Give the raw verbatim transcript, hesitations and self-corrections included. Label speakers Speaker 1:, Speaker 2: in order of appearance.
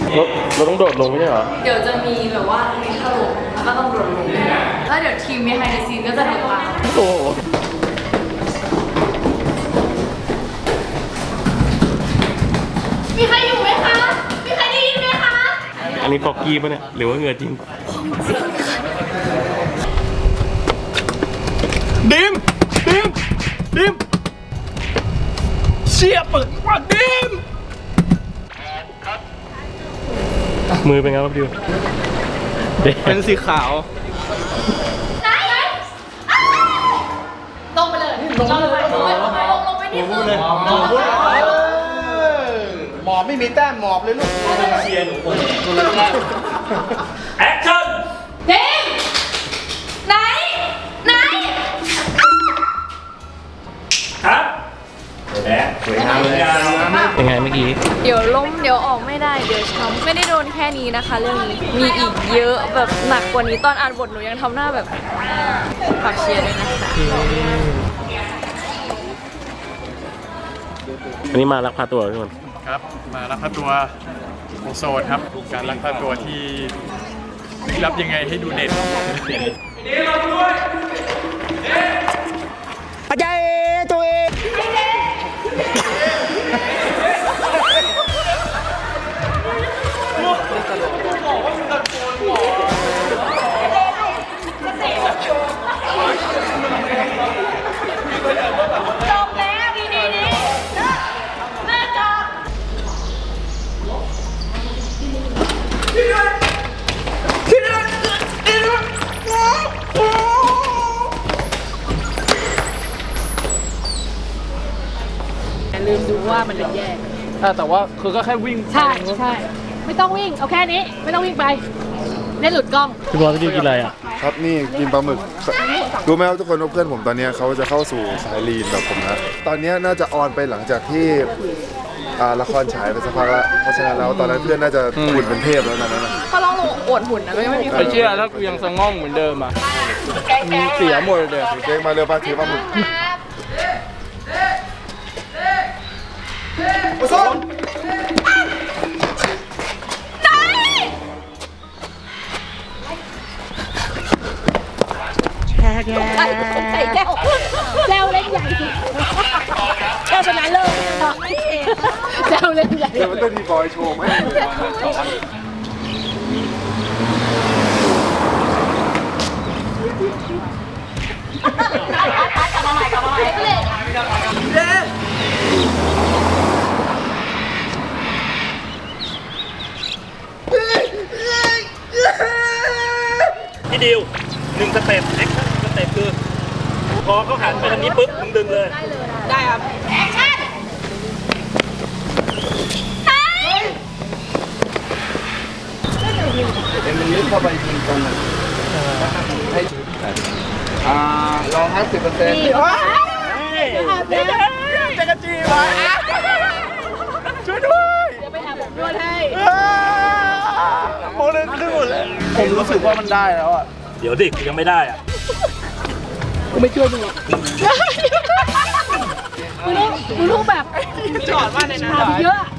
Speaker 1: เราเราต้องโดดลงไม่ใช่เหรอ
Speaker 2: เดี๋ยวจะมีแบบว่ามีถล่มแล้วก็ต้องโดดลงแล้วเดี๋ยวทีม behind the scene ก็จะโดดตาม
Speaker 1: โอ้โห
Speaker 2: มีใครอยู่ไหมคะมีใครได้ยินไหมคะ
Speaker 1: อันนี้ฟอกกี้ป่ะเนี่ยหรือว่าเหงื่อจริงดิมดิมดิมเชี่ยเปิดว่าดิมมือเป็นไงครับดิว
Speaker 3: เป็นสีขาว
Speaker 2: ไหนลงไปเลยลงไปเลยลงไปลงไปลงไปนี่คือหมอบ
Speaker 3: หมอบไม่มีแต้มหมอบเลยลูกเชียร์หนูคน
Speaker 1: แอคชั่น
Speaker 2: เด้งไหนไหน
Speaker 1: ครับแดงสวยงามเลยยังไงเมื่อกี้
Speaker 2: เดี๋ยวล้มเดี๋ยวออกไม่ได้เดี๋ยวช้ำไม่ได้โดนแค่นี้นะคะเรื่องนี้มีอีกเยอะแบบหนักกว่านี้ตอนอ่านบทหนูยังทำหน้าแบบฝากเชียร์ด้วยนะคะ
Speaker 1: อันนี้มาลักพาตัวทุกคน
Speaker 3: ครับมาลักพาตัวโอโซนครับการลักพาตัวที่รับยังไงให้ดูเด่นนี่เราด้วยอาจารย์ตัวเอง
Speaker 2: จบแล้วดีดีดีแม่จบลืมดูว่ามันเป็นแยก
Speaker 3: แต่ว่าคือก็แค่วิ่ง
Speaker 2: ใช่ใช่ไม่ต้องวิ่งเอาแค่นี้ไม่ต้องวิ่งไปเล่นหลุดกล้อง
Speaker 1: พี่บอลพี่ดิวกินอะไรอ่ะ
Speaker 4: ครับนี่กินปลาหมึกรู้ไหมครับทุกคนว่าเพื่อนผมตอนนี้เขาจะเข้าสู่สายลีนแบบผมนะตอนนี้น่าจะออนไปหลังจากที่ละครฉายไปสักพักแล้วเพราะฉะนั้นแล้วตอนนั้นเพื่อนน่าจะหุ่นเป็นเทพแล้วนั่นนะ
Speaker 2: เขาลองลงอวดหุ่นนะก็ยังไม่มีใคร
Speaker 3: เชื่อถ้ากูยังสงองเหมือนเดิมอ่ะเสียหมดเลย
Speaker 4: เจ๊มาเร็วป้าถือปลาหมึกโอ้โห
Speaker 2: ใส่แก้วแก้วเล่นใหญ่สิแก้วชนะเลิศแก้วเล่นใหญ่
Speaker 4: เดี๋ยวมันต้องมีบอยโชว์ไหม
Speaker 2: กลับมาใหม่กลับมาใหม่
Speaker 1: พี่ดิวหนึ่งสเต็ปแอคชั่นสเต็ปคือพอเขาหันไปทางนี้ปุ๊บมึงดึงเลย
Speaker 2: ได้ครับแอคชั่น
Speaker 4: เป็นมันลึกเข้าไปจริงตรงนั้นให้อ่ารอห้าสิบเปอร์เซ็นต์
Speaker 3: จะกระจีไว้ช่วยด้วย
Speaker 2: เดี๋ยวไปหาผมด้วยให้
Speaker 3: โมเลยขึ้นหมดเลยผมรู้สึกว่ามันได้แล้วอ่ะ
Speaker 1: เดี๋ยวดิยังไม่ได้อ่ะ
Speaker 3: กูไม่ช่วยมึงหรอก
Speaker 2: มึงรู้มึงรู้แบบ
Speaker 3: จอดว่าในนั้น
Speaker 2: เยอะ